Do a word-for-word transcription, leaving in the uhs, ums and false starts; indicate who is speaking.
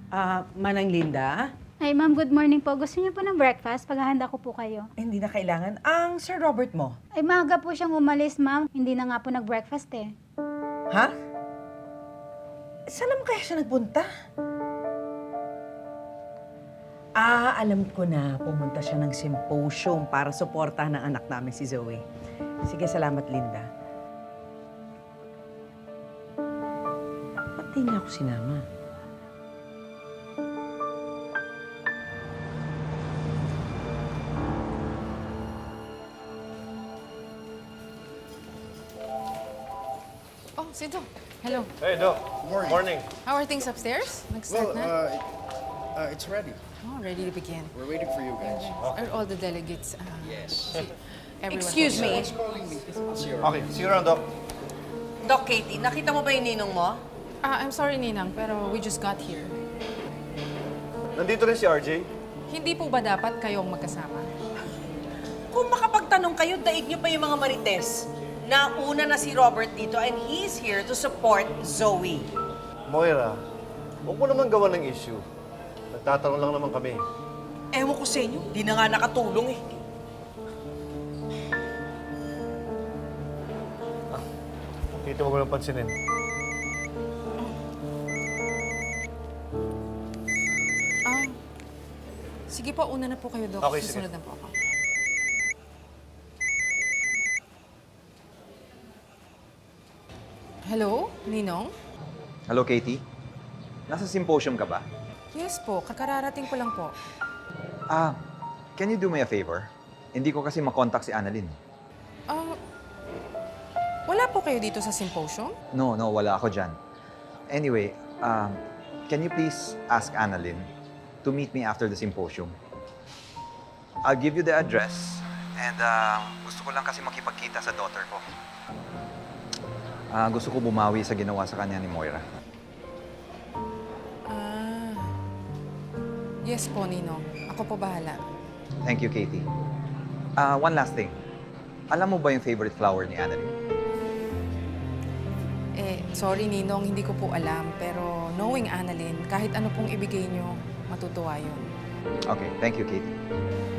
Speaker 1: Ah, Manang Linda?
Speaker 2: Ay, ma'am, good morning po. Gusto niyo po ng breakfast? Paghahanda ko po kayo.
Speaker 1: Eh, hindi na kailangan. Ang Sir Robert mo?
Speaker 2: Ay, maaga po siyang umalis, ma'am. Hindi na nga po nag-breakfast eh.
Speaker 1: Ha? Saan naman kaya siya nagpunta? Ah, alam ko na. Pumunta siya ng symposium para suportahan ng anak namin si Zoe. Sige, salamat, Linda. Ba't di niya ako sinama?
Speaker 3: Oh, Sinto. Hello.
Speaker 4: Hey, Doc.
Speaker 5: Morning.
Speaker 4: Morning.
Speaker 3: How are things upstairs? Nag-start
Speaker 5: Well,
Speaker 3: na?
Speaker 5: uh, it- uh, it's ready.
Speaker 3: Oh, ready to begin.
Speaker 5: We're waiting for you guys.
Speaker 3: Are all the delegates? Uh,
Speaker 5: Yes.
Speaker 3: everyone
Speaker 1: Excuse me.
Speaker 5: Who's calling me? Zero.
Speaker 4: Okay, see you around, Doc.
Speaker 1: Doc Katie, nakita mo ba yung ninong mo?
Speaker 3: Ah, I'm sorry, Ninang, pero we just got here.
Speaker 4: Nandito rin si R J.
Speaker 3: Hindi po ba dapat kayong magkasama?
Speaker 1: Kung makapagtanong kayo, daig niyo pa yung mga marites. Nauna na si Robert dito and he's here to support Zoe.
Speaker 4: Moira, huwag mo naman gawa ng issue. Nagtatanong lang naman kami.
Speaker 1: Ewan ko sa inyo, di na nga nakatulong eh.
Speaker 4: Dito huwag mo lang pansinin.
Speaker 3: Ah, sige po, una na po kayo, Doc.
Speaker 4: Okay, sige.
Speaker 3: Susunod na po ako. Hello, Ninong?
Speaker 6: Hello, Katie. Nasa symposium ka ba?
Speaker 3: Yes po, kakararating ko lang po.
Speaker 6: Ah, can you do me a favor? Hindi ko kasi makontak si Annalyn.
Speaker 3: Ah, wala po kayo dito sa symposium?
Speaker 6: No, no, wala ako dyan. Anyway, um, can you please ask Annalyn to meet me after the symposium? I'll give you the address and uh, gusto ko lang kasi makipagkita sa daughter ko. Ah, gusto ko bumawi sa ginawa sa kanya ni Moira.
Speaker 3: Ah, yes po, Ninong. Ako po bahala.
Speaker 6: Thank you, Katie. Ah, one last thing. Alam mo ba yung favorite flower ni Annalyn?
Speaker 3: Eh, sorry, Ninong, hindi ko po alam. Pero knowing Annalyn, kahit ano pong ibigay nyo, matutuwa yun.
Speaker 6: Okay, thank you, Katie.